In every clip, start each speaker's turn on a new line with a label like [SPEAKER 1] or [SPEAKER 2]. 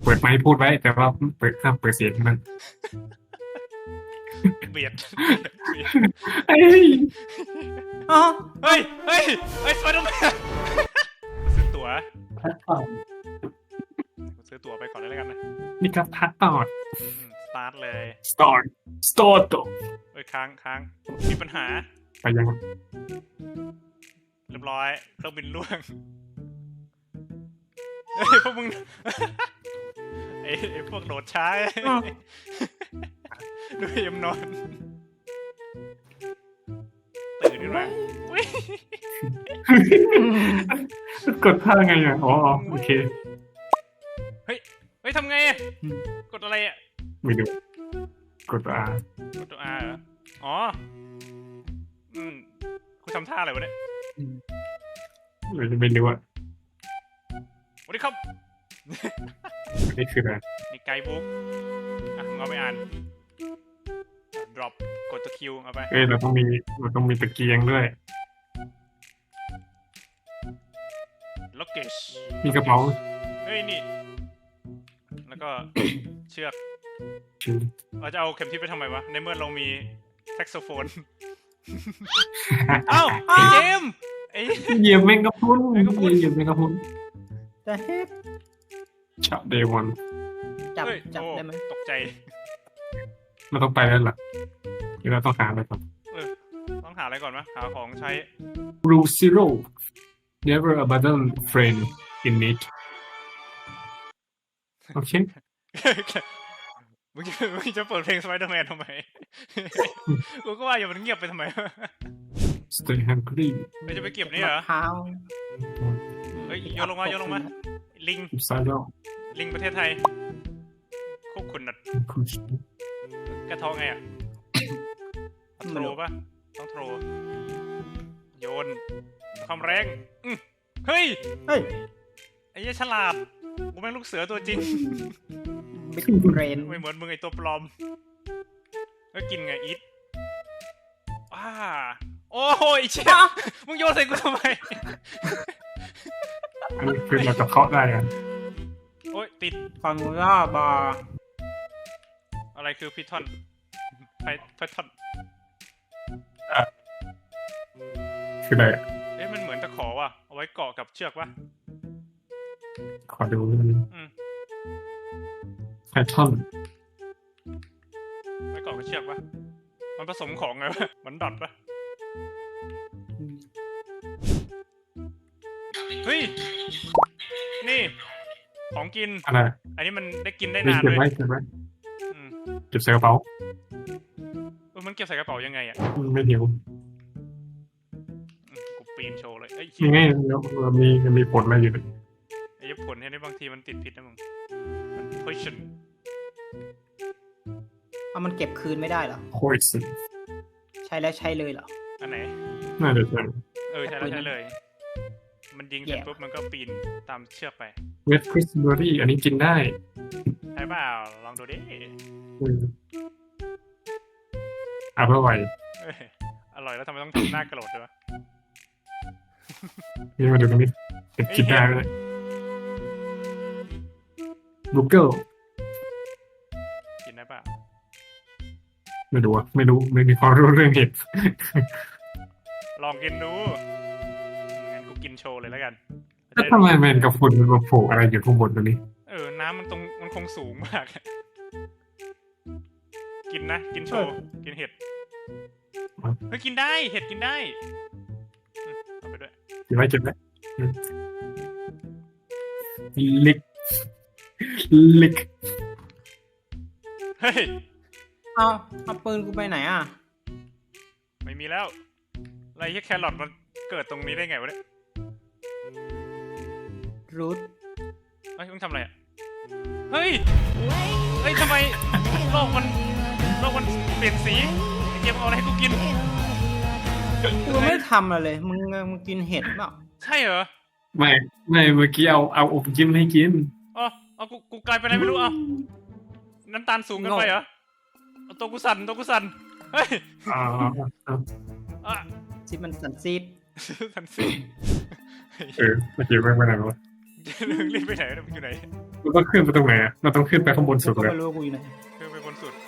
[SPEAKER 1] ปิดไมค์พูดไว้แต่ว่าห้ามเปิดเสียงมัน
[SPEAKER 2] เบียด
[SPEAKER 1] เฮ้ย
[SPEAKER 3] อ๋อ
[SPEAKER 2] เฮ้ยสไปเดอร์แมนซื้อตั๋ว
[SPEAKER 1] พัดต่อ
[SPEAKER 2] ซื้อตั๋วไปก่อนเลยแล้วกันนะ
[SPEAKER 1] นี่ครับพัดต่อ
[SPEAKER 2] สตาร์ทเลย
[SPEAKER 1] start ต่อ
[SPEAKER 2] เอ้ยค้างมีปัญหา
[SPEAKER 1] ไปยัง
[SPEAKER 2] เรียบร้อยเครื่องบินล่วงเฮ้ยพวกมึง ไอ้พวกโดดช้าดูยมนอนตื่นขึ้นมาอุ๊ย
[SPEAKER 1] กดท่าไงอ่ะอ๋อโอเค
[SPEAKER 2] เฮ้ยทำไงอะกดอะไรอะ
[SPEAKER 1] ไม่ดูกด R
[SPEAKER 2] กดตัว R เหรออ๋อคุณทำท่าอะไรวะเนี่ย
[SPEAKER 1] ไม่รู้อ่ะ
[SPEAKER 2] สวัสดีครับ
[SPEAKER 1] นี่คืออะไร
[SPEAKER 2] นี่ไกด์บุ๊กอ่ะมึงเอาไปอ่าน drop กดตัว Q เอาไป
[SPEAKER 1] เราต้องมีตะเกียงด้วย
[SPEAKER 2] luggage
[SPEAKER 1] มีกระเป๋า
[SPEAKER 2] เฮ้ยนี่ แล้วก็ เชือก
[SPEAKER 1] ชื่อ
[SPEAKER 2] เราจะเอาเข็มทิศไปทำไมวะ ในเมื่อเรามีแซกโซโฟน เอ้าไอ้เจมส์ไอ้
[SPEAKER 1] เหยียบแมงกะพรุนเหยียบแมงกะพรุน
[SPEAKER 3] จะเฮ็ด
[SPEAKER 1] ช็อต day one
[SPEAKER 3] จับ
[SPEAKER 2] เฮ้ย
[SPEAKER 3] จับ
[SPEAKER 2] โอ้
[SPEAKER 3] ได้ไหม
[SPEAKER 2] ตกใจ
[SPEAKER 1] เราต้องไปแล้วล่ะเดี๋ยวเราต้องหาอะไรก่อน
[SPEAKER 2] ต้องหาอะไรก่อนมะหาของใช้
[SPEAKER 1] Rule zero never abandon friend in need โอเค
[SPEAKER 2] มึงจะเปิดเพลงสไปเดอร์แมนทำไม กูก็ว่าอย่ามันเงียบไปทำไม
[SPEAKER 1] stay hungry
[SPEAKER 2] เราจะไปเก็บนี่เหรอ
[SPEAKER 3] เท้า
[SPEAKER 2] เฮ้ยโยนลงมา ลิง
[SPEAKER 1] keep silent
[SPEAKER 2] ลิงประเทศไทยควบคุมนัด
[SPEAKER 1] push
[SPEAKER 2] กระท้องไงอ่ะ โทรป่ะ ต้องโทร โยน ความแรงเฮ้ย
[SPEAKER 3] เฮ้ย
[SPEAKER 2] ไอ้เหี้ยฉลาด กูแม่งลูกเสือตัวจริง
[SPEAKER 3] บิ๊กเบรน
[SPEAKER 2] ไม่เหมือนมึงไอตัวปลอมแล้วกินไงอีทโอ้โหไอ้เชี่ยมึงโยนใส่กูทำไม
[SPEAKER 1] อันนี้คือเราจะเคาะได้อะ
[SPEAKER 2] โอ้ยติด
[SPEAKER 3] ฟังล่าบาร์
[SPEAKER 2] อะไรคือพิทอนไพทอน
[SPEAKER 1] คืออะไรอะ
[SPEAKER 2] เอ๊ะมันเหมือนตะขอว่ะ เอาไว้เกาะกับเชือกวะ
[SPEAKER 1] ขอดู
[SPEAKER 2] อืม
[SPEAKER 1] Python
[SPEAKER 2] ไว้เกาะกับเชือกวะมันผสมของไงวะมันดอทปะเฮ้ย นี่ ของกิน
[SPEAKER 1] อะไร
[SPEAKER 2] อันนี้มันได้กินได้
[SPEAKER 1] นี่
[SPEAKER 2] นาน
[SPEAKER 1] เก็บ
[SPEAKER 2] ด้วย
[SPEAKER 1] ไว้เก็บไว้
[SPEAKER 2] อืม
[SPEAKER 1] เก็บใส่กระเป๋า
[SPEAKER 2] มันเก็บใส่กระเป๋ายังไงอ่ะ
[SPEAKER 1] ไม่หิว
[SPEAKER 2] กูปีนโชว์เลยไอ้
[SPEAKER 1] ยังไงเรามีผลอะไรอยู่
[SPEAKER 2] ไอ้ผลเนี่ยบางทีมันติดผิดนะมึงมัน poison
[SPEAKER 3] เอามันเก็บคืนไม่ได้เหรอ
[SPEAKER 1] poison
[SPEAKER 3] ใช้แล้วใช้เลยเหรอ
[SPEAKER 2] อันไหน
[SPEAKER 1] น่าจะใช่
[SPEAKER 2] ใช่แล้วใช่เลย มันยิงเสร็จ
[SPEAKER 3] แย่
[SPEAKER 2] ปุ๊บมันก็ปีนตามเชือกไป
[SPEAKER 1] Red Raspberry อันนี้กินได้
[SPEAKER 2] ใช่เปล่าลองดูดิ
[SPEAKER 1] อร่อย
[SPEAKER 2] เอ้ยอร่อยแล้วทำไมต้องทำหน้ากระโดดด้วยวะ
[SPEAKER 1] นี่มาดูตรงนี้กินได้เลย Google
[SPEAKER 2] กินได้เปล่า
[SPEAKER 1] ไม่รู้อะไม่มีความรู้เรื่องเห็ด
[SPEAKER 2] ลองกินดูงั้นกูกินโชว์เลยแล้วกัน
[SPEAKER 1] แล้วทำไมแมนกับฝุ่นมันมาโผล่อะไรอยู่ข้างบนตรงนี้
[SPEAKER 2] น้ำมันคงสูงมาก กินนะ กินโชว์ กินเห็ด เฮ้ยกินได้ เห็ดกินได้เอาไปด้วย
[SPEAKER 1] กินไว้ลิก
[SPEAKER 2] เฮ้ย
[SPEAKER 3] เอาปืนกูไปไหนอ่ะ
[SPEAKER 2] ไม่มีแล้วอะไรที่แครอทมันเกิดตรงนี้ได้ไงวะเนี่ย
[SPEAKER 3] รูท
[SPEAKER 2] เฮ้ยมึงทำอะไรอ่ะ เฮ้ยทำไมโลกมันเปลี่ยนสีไอ้เกมเอาอะไรให้กูกิน
[SPEAKER 3] กูไม่ทำอะไรเลยมึงกินเห็ดเปล่า
[SPEAKER 2] ใช่เหรอ
[SPEAKER 1] ไม่เมื่อกี้เอาอบจิ้มให้กิน
[SPEAKER 2] อ๋อเอากูกลายเป็นอะไรไม่รู้เอาน้ำตาลสูงเกันไปเหรอเอาตัวกูสั่นเฮ้ย อ่ะ
[SPEAKER 3] ที่มันสันซีด
[SPEAKER 2] ทันสิ
[SPEAKER 1] เมื่อกี้ไม่เป็นไรวะ
[SPEAKER 2] รีบไปไหนมึงอยู่ไหน
[SPEAKER 1] เราต้องขึ้นไปตรงไหนอะเราต้องขึ้นไปข้างบนสุด
[SPEAKER 3] ก็
[SPEAKER 1] เลย
[SPEAKER 3] ไม่รู้ว่ากูอยู่ไหน
[SPEAKER 2] คือไปบนสุด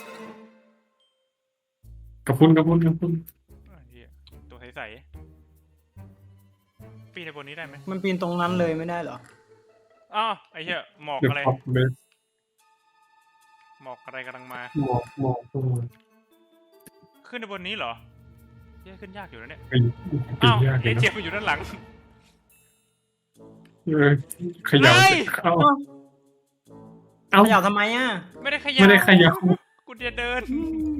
[SPEAKER 1] กระพุ้นกระพุ้นกระพุ้น
[SPEAKER 2] อ่ะเหี้ยตัวใสๆปีนในบนนี้ได้ไหม
[SPEAKER 3] มันปีนตรงนั้นเลยไม่ได้เหรอ
[SPEAKER 2] อ้าวไอ้เหี้ยหมอก
[SPEAKER 1] เดี๋ยว
[SPEAKER 2] อะไร
[SPEAKER 1] พอปเลย
[SPEAKER 2] หมอกอะไรกำลังมา
[SPEAKER 1] หมอกหมอกหมอก
[SPEAKER 2] ขึ้นในบนนี้เหรอเหี้ยขึ้นยากอยู่นะเนี่ย
[SPEAKER 1] ปีนปี
[SPEAKER 2] อ้าน วย
[SPEAKER 1] ากเล
[SPEAKER 2] ไอ้
[SPEAKER 1] ย
[SPEAKER 2] เจี๊ย
[SPEAKER 1] นะ
[SPEAKER 2] บมันอยู่ด้านหลัง
[SPEAKER 1] ขยับ
[SPEAKER 2] เฮ้ย
[SPEAKER 1] เอาเอา
[SPEAKER 3] ขยับทำไมอ่ะ
[SPEAKER 2] ไม่ได้ขยับ
[SPEAKER 1] ไม่ได้ขยับ
[SPEAKER 2] กูจะเดิน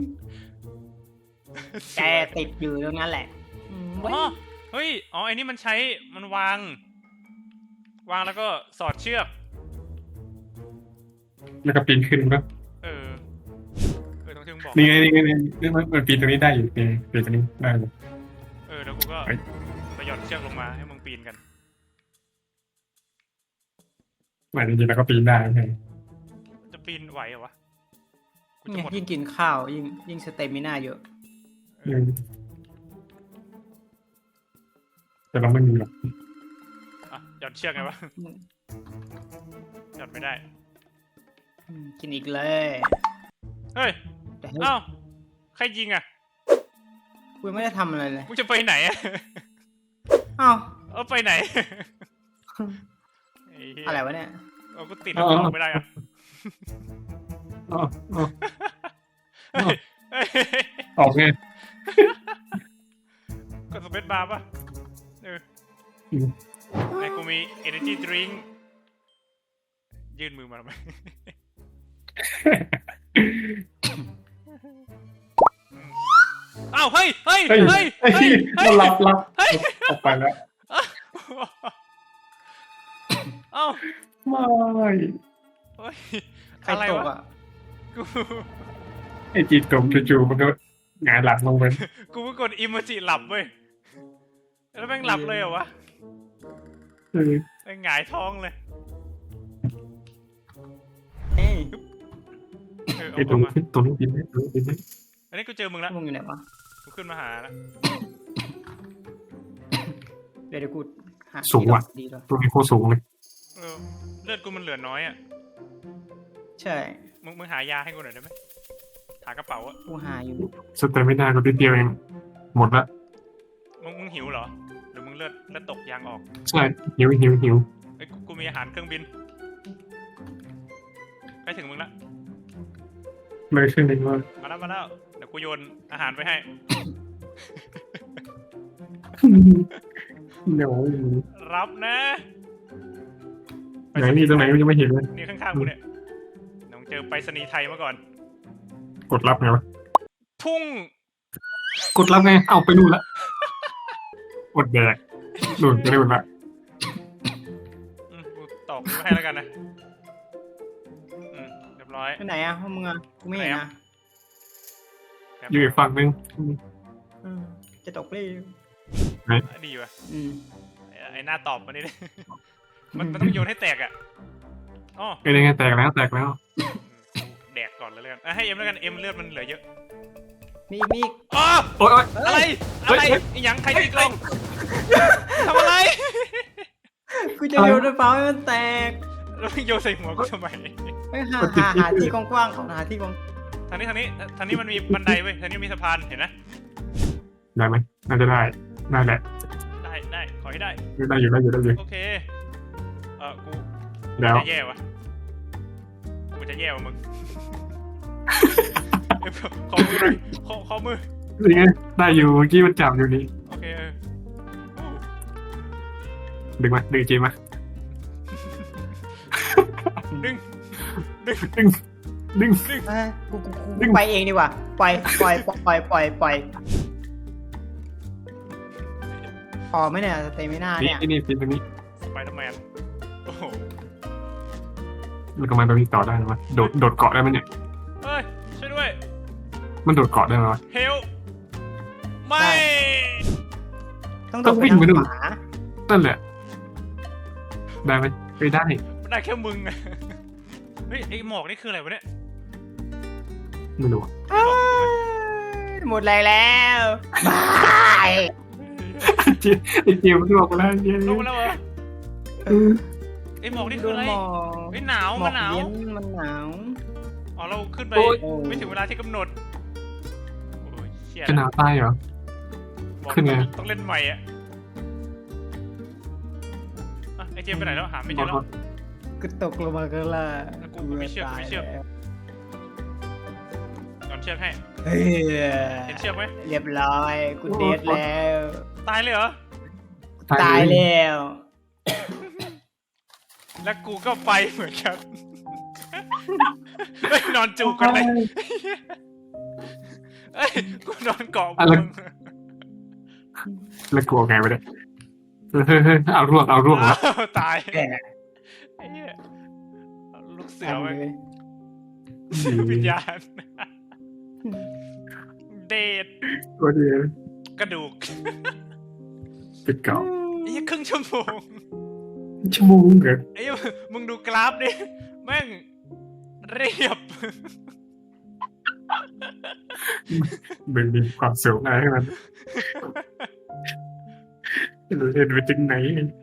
[SPEAKER 3] แกติดอยู่ตรงนั้นแหละเว้ย
[SPEAKER 2] อ๋อเฮ้ยอ๋อไอ้นี่มันใช้มันวางแล้วก็สอดเชือก
[SPEAKER 1] แล้วก็ปีนขึ้นปะ
[SPEAKER 2] เออต้องถึงบอก
[SPEAKER 1] นี่ไงนี่ไงนี่มันปีนตรงนี้ได้อยู่ปีนตรงนี้ได้อยู่
[SPEAKER 2] แล้วกูก็
[SPEAKER 1] เฮ้ย
[SPEAKER 2] ไปหย่อนเชือกลงมาให้มึงปีนกัน
[SPEAKER 1] มันจริงๆแล้วก็ปีนได้ใช่
[SPEAKER 2] จะปีนไหวเหรอวะกูจะ
[SPEAKER 3] เนี่ย
[SPEAKER 2] หมด
[SPEAKER 3] ยิ่งกินข้าวยิ่งสเตมิน่าเยอะ
[SPEAKER 1] แต่เราไม่มีหรอก
[SPEAKER 2] อ่ะหย่อนเชือกไงวะหย่อนไม่ได้
[SPEAKER 3] กินอีกเลย
[SPEAKER 2] เฮ้ย
[SPEAKER 3] แต่
[SPEAKER 2] อ้าวใครยิงอ่ะ
[SPEAKER 3] กูยังไม่ได้ทำอะไรเลย
[SPEAKER 2] มึงจะไปไหนอะ
[SPEAKER 3] อ้าว
[SPEAKER 2] เอาไปไหนไเหี้ย
[SPEAKER 3] อะไรวะเนี่ย
[SPEAKER 2] เอากูติดแล้วออกไม่ได้อะ
[SPEAKER 1] อ๋ออ๋อ
[SPEAKER 2] เฮ้ยเฮ้ย
[SPEAKER 1] ออกไง
[SPEAKER 2] กดสเปซบาร์ป่ะในกูมี energy drink ยื่นมือมาทำไม อ้าวเฮ้ยเฮ้ย
[SPEAKER 1] เฮ้ย
[SPEAKER 2] เฮ้ย
[SPEAKER 1] เฮ้ย
[SPEAKER 2] เฮ้ยเฮ้ย
[SPEAKER 1] มันรับ
[SPEAKER 2] เฮ้ย
[SPEAKER 1] ออกไปแล้ว
[SPEAKER 2] เอ้า
[SPEAKER 1] ไม่
[SPEAKER 2] เฮ้ย
[SPEAKER 3] ใคร
[SPEAKER 2] อะไร
[SPEAKER 3] ตก
[SPEAKER 2] วะ
[SPEAKER 3] อ่ะ
[SPEAKER 2] กู
[SPEAKER 1] ไอ้จีตกจู่ๆมันก็หงายหลังลงไป
[SPEAKER 2] กูเพิ่งกดอิมเมจิหลับเว้ยแล้วแม่งหลับเลยเหรอวะ
[SPEAKER 1] เออ
[SPEAKER 2] แม่งหงายท้องเลย
[SPEAKER 3] เอ้ย
[SPEAKER 1] ไอ้ตรงนี้บินได้ตรงนี้บินได้
[SPEAKER 2] อันนี้กูเจอมึงแล้ว
[SPEAKER 3] มึงอยู่ไหนวะ
[SPEAKER 2] กูขึ้นมาหาแล้ว
[SPEAKER 3] เดี๋ยวกูหา
[SPEAKER 1] สูงว่ะ
[SPEAKER 3] ดีแล้ว
[SPEAKER 1] ตรงนี้โคตรสูงเลย
[SPEAKER 2] เลือดกูมันเหลือน้อยอ่ะ
[SPEAKER 3] ใช่
[SPEAKER 2] มึงหายาให้กูหน่อยได้ไหมหากระเป๋าอะ
[SPEAKER 3] กูหาอยู่
[SPEAKER 1] สเตมินาก็นิดเดียวเองหมดละ
[SPEAKER 2] มึงหิวเหรอ หรือมึงเลือดตกยางออก
[SPEAKER 1] ใช่หิว
[SPEAKER 2] เอ้ยกูมีอาหารเครื่องบินใกล้ถึงมึงละ
[SPEAKER 1] เลยขึ้นเลยว่า
[SPEAKER 2] มาแล้วเดี๋ยวกูโยนอาหารไปให้
[SPEAKER 1] เดี๋ยว
[SPEAKER 2] รับนะ
[SPEAKER 1] ไหนนี่ตรงไหนยังไม่เห็นเลย
[SPEAKER 2] นี่ข้างๆกูเนี่ยน้องเจอไปรษณีย์ไทยมาก่อน
[SPEAKER 1] กดรับไงวะ
[SPEAKER 2] ทุ่ง
[SPEAKER 1] กดรับไงเอาไปนู่นละกดแดกนู่นไปนู่นละ
[SPEAKER 2] กูตอกนี้มาให้แล้วกันนะเรียบร้อย
[SPEAKER 3] ไปไหนอ่ะพวกมึงอ่ะกูไม่เห็นนะ
[SPEAKER 1] อยู่อีกฝั่งนึง
[SPEAKER 3] จะตกเลย
[SPEAKER 2] ดีว่ะ
[SPEAKER 3] อืม
[SPEAKER 2] ไอ้หน้าตอบมานี่ดิ มันต้องโยนให้แตกอ่ะอ๋อ
[SPEAKER 1] ไอ้ยังไงแตกแล้ว
[SPEAKER 2] แดกก่อนเลยแล้วกันให้เอ็มแล้วกันเอ็มเลือดมันเหลือเยอะ
[SPEAKER 3] มีอีก
[SPEAKER 2] อ๋อ
[SPEAKER 1] โอ๊ย
[SPEAKER 2] อะไร อะไรอีหยังใครตีกลองทำอะไร
[SPEAKER 3] กูจะโยนด้วยเปล่าให้มันแตก
[SPEAKER 2] แล้วมึงโยนใส่หัวกูทำไม
[SPEAKER 3] ไปหาที่กว้างๆของหาที่กว้าง
[SPEAKER 2] ทางนี้มันมีบันไดเว้ยทางนี้มีสะพานเห็นนะ
[SPEAKER 1] ได้ไหมน่าจะได้ได้แหละ
[SPEAKER 2] ได้ขอให้ได้
[SPEAKER 1] ได้อยู่
[SPEAKER 2] โอเคกู
[SPEAKER 1] แล้ว
[SPEAKER 2] จะแย่วะกูจะแย่วะมึงขอมือหน่อยขอมือ
[SPEAKER 1] นี่ไงได้อยู่เมื่อกี้มันจับอยู่นี่
[SPEAKER 2] โอเคอู้
[SPEAKER 1] ดึงมาดึงจีมา
[SPEAKER 2] ดึง
[SPEAKER 1] ดึง
[SPEAKER 3] กูไปเองดีกว่าปล่อยพอไหมเนี่ยสเตมิน่าเนี่ย
[SPEAKER 1] นี่ปีนตรงนี้
[SPEAKER 2] สไปเดอร์แมนโอ้โห
[SPEAKER 1] มันก็มาตรงนี้ต่อได้ไหมโดดเกาะได้ไหมเนี่ย
[SPEAKER 2] เฮ้ยช่วยด้วย
[SPEAKER 1] มันโดดเกาะได้ไหมวะ
[SPEAKER 2] เฮลไม่
[SPEAKER 3] ต้องวิ่งไปดูหมา
[SPEAKER 1] นั่นแหละได้ไหมไม่ได้
[SPEAKER 2] มันได้แค่มึงอะเฮ้ยไอหมอกนี่คืออะไรวะเนี่ย
[SPEAKER 1] ไม่รู้
[SPEAKER 3] หมดแรงแล้วบาย
[SPEAKER 1] ไอ้เจียมันบอกมาแล้วเจีย
[SPEAKER 2] ลงมาแล้วเหรอไอ้หมอกนี่คืออะไร
[SPEAKER 3] โดนหมอก
[SPEAKER 2] เฮ้ยหนาว
[SPEAKER 3] หมอ
[SPEAKER 2] มั
[SPEAKER 3] ก
[SPEAKER 2] นหนาว
[SPEAKER 3] เย็นมันหนาว
[SPEAKER 2] อ๋อเราขึ้นไป
[SPEAKER 1] โอ้ย
[SPEAKER 2] ไม่ถึงเวลาที่กำหนดโอ้ยเชี่ย
[SPEAKER 1] จะหนาวตายเหรอ
[SPEAKER 2] บอก
[SPEAKER 1] ขึ้นไง
[SPEAKER 2] ต้องเล่นใหม่อ่ะไอเจมไปไหนแล้วหาไม่เจอแล้ว
[SPEAKER 3] ก็ตกลงมาก็ล่ะ
[SPEAKER 2] กูไม่เชื่อกูไม่เชื่อ ก่อนเชือกให้
[SPEAKER 3] เฮ้ย
[SPEAKER 2] เห็นเชือกไหม
[SPEAKER 3] เรียบร้อยกูเดทแล้ว
[SPEAKER 2] ตายเลยเหรอ
[SPEAKER 3] ตายแล้ว
[SPEAKER 2] แล้วกูก็ไปเหมือนกันเฮ้ยนอนจูบกันเลยเอ้ยกูนอนเกาะ
[SPEAKER 1] อะไร
[SPEAKER 2] มึง
[SPEAKER 1] แล้วกลัวไงวะเนี่ยเฮ้ยเอาร่วงแล้ว
[SPEAKER 2] อ้าวตาย
[SPEAKER 3] แก่
[SPEAKER 2] ไอ้เหี้ยเอาลูกเสือไว้
[SPEAKER 3] เลย
[SPEAKER 2] วิญญาณเดท
[SPEAKER 1] ตัวเดียว
[SPEAKER 2] กระดูก
[SPEAKER 1] ปิดเก่า
[SPEAKER 2] ไอ้เหี้ยครึ่งชั่วโมง
[SPEAKER 1] ชั่วโมงเหรอ
[SPEAKER 2] ไอ้เหี้ยมึงดูกราฟดิแม่งเรียบ
[SPEAKER 1] มันมีความสูงอะไรให้มันเห็นไปถึงไหน